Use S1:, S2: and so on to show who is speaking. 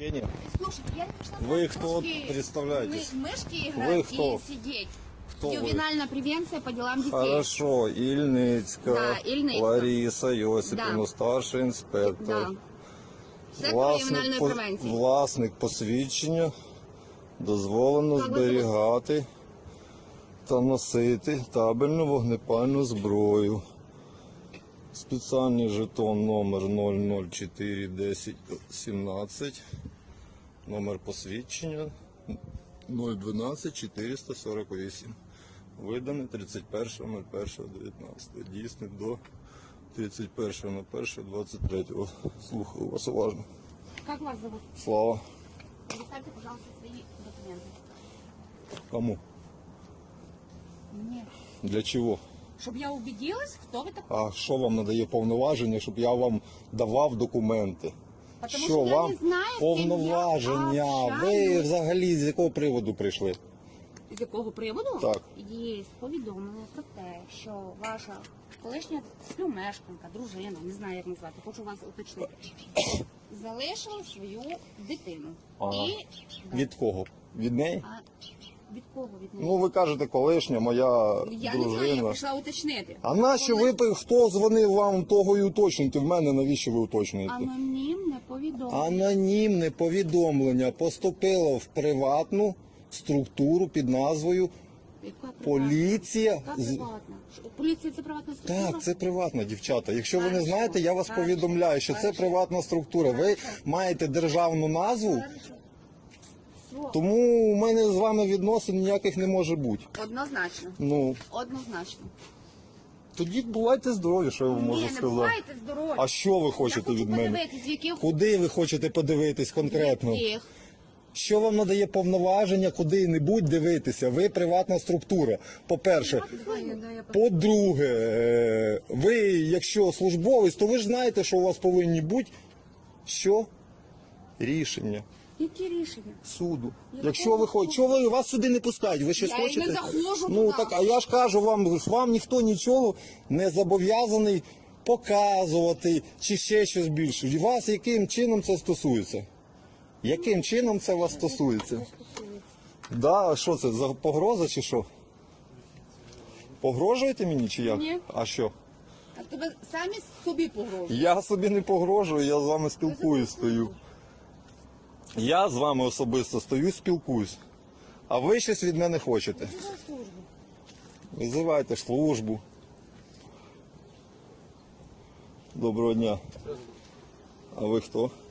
S1: Посвящение?
S2: Слушайте, я не пришла
S1: Вы
S2: в
S1: кто
S2: мышки-
S1: представляетесь?
S2: Мышки играть
S1: Вы кто?
S2: и сидеть.
S1: Кто вы?
S2: Ювенальная превенция по делам детей.
S1: Хорошо, Ільницька,
S2: Да, Ільницька.
S1: Лариса Йосипівна,
S2: Да.
S1: старший інспектор.
S2: Да. Сектор ювенальної превенції.
S1: Власник посвідчення дозволено
S2: Так, ви
S1: зберігати та носити табельну вогнепальну зброю. Спеціальний жетон номер 0041017, номер посвідчення 012-448. Виданий 31.01.19. Дійсний до 31.01.23. Слухаю вас уважно.
S2: Как вас зовут?
S1: Слава.
S2: Представьте, пожалуйста, свои документы.
S1: Кому?
S2: Мне.
S1: Для чого?
S2: Чтобы я убедилась, кто вы такой.
S1: А що вам надає повноваження, щоб я вам давав документи?
S2: Потому
S1: Що
S2: що я
S1: вам
S2: не знаю, з ким я
S1: повноваження? Ви
S2: общаюсь.
S1: взагалі з якого приводу прийшли?
S2: З якого приводу?
S1: Так.
S2: Є повідомлення про те, що ваша колишня співмешканка, дружина, не знаю як назвати, хочу вас уточнити, залишила свою дитину.
S1: Ага.
S2: І
S1: Від кого? Від неї?
S2: А від кого від неї?
S1: Ну ви кажете, колишня моя
S2: Я не знаю, я
S1: дружина.
S2: прийшла уточнити.
S1: А нащо ви, хто дзвонив вам, того і уточнюєте? В мене навіщо ви уточнюєте?
S2: Анонімне повідомлення.
S1: Анонімне повідомлення поступило в приватну структуру під назвою
S2: Яка приватна?
S1: поліція.
S2: Яка приватна? Поліція це приватна структура?
S1: Так, це приватна, дівчата. Якщо ви не
S2: Хорошо,
S1: знаєте, я вас
S2: хорошо,
S1: повідомляю, що це
S2: хорошо.
S1: приватна структура. Ви маєте державну назву,
S2: Хорошо. Все.
S1: тому у мене з вами відносин ніяких не може бути.
S2: Однозначно.
S1: Ну,
S2: Однозначно.
S1: тоді бувайте здорові, що я вам можу
S2: Ні, не
S1: сказати.
S2: бувайте здорові.
S1: А що ви
S2: Я
S1: хочете
S2: хочу
S1: від мене?
S2: подивитись, в яких...
S1: Куди ви хочете подивитись конкретно?
S2: яких.
S1: Що вам надає повноваження куди-небудь дивитися? Ви приватна структура, по-перше. По-друге, ви, якщо службовець, то ви ж знаєте, що у вас повинні бути що? Рішення
S2: Які рішення?
S1: суду.
S2: Якого
S1: Якщо ви хочете, чого ви вас сюди не пускають? Ви щось
S2: Я й не
S1: хочете?
S2: заходжу
S1: Ну
S2: туди.
S1: так, а я ж кажу вам ніхто нічого не зобов'язаний показувати чи ще щось більше. І вас яким чином це стосується? Яким чином це вас стосується? Да, що це, за погроза чи що? Погрожуєте мені чи як?
S2: Ні.
S1: А що?
S2: А тебе самі собі погрожують.
S1: Я собі не погрожую, я з вами спілкуюсь, стою. Я з вами особисто стою, спілкуюсь. А ви щось від мене хочете? Визивайте службу. Доброго дня. А ви хто?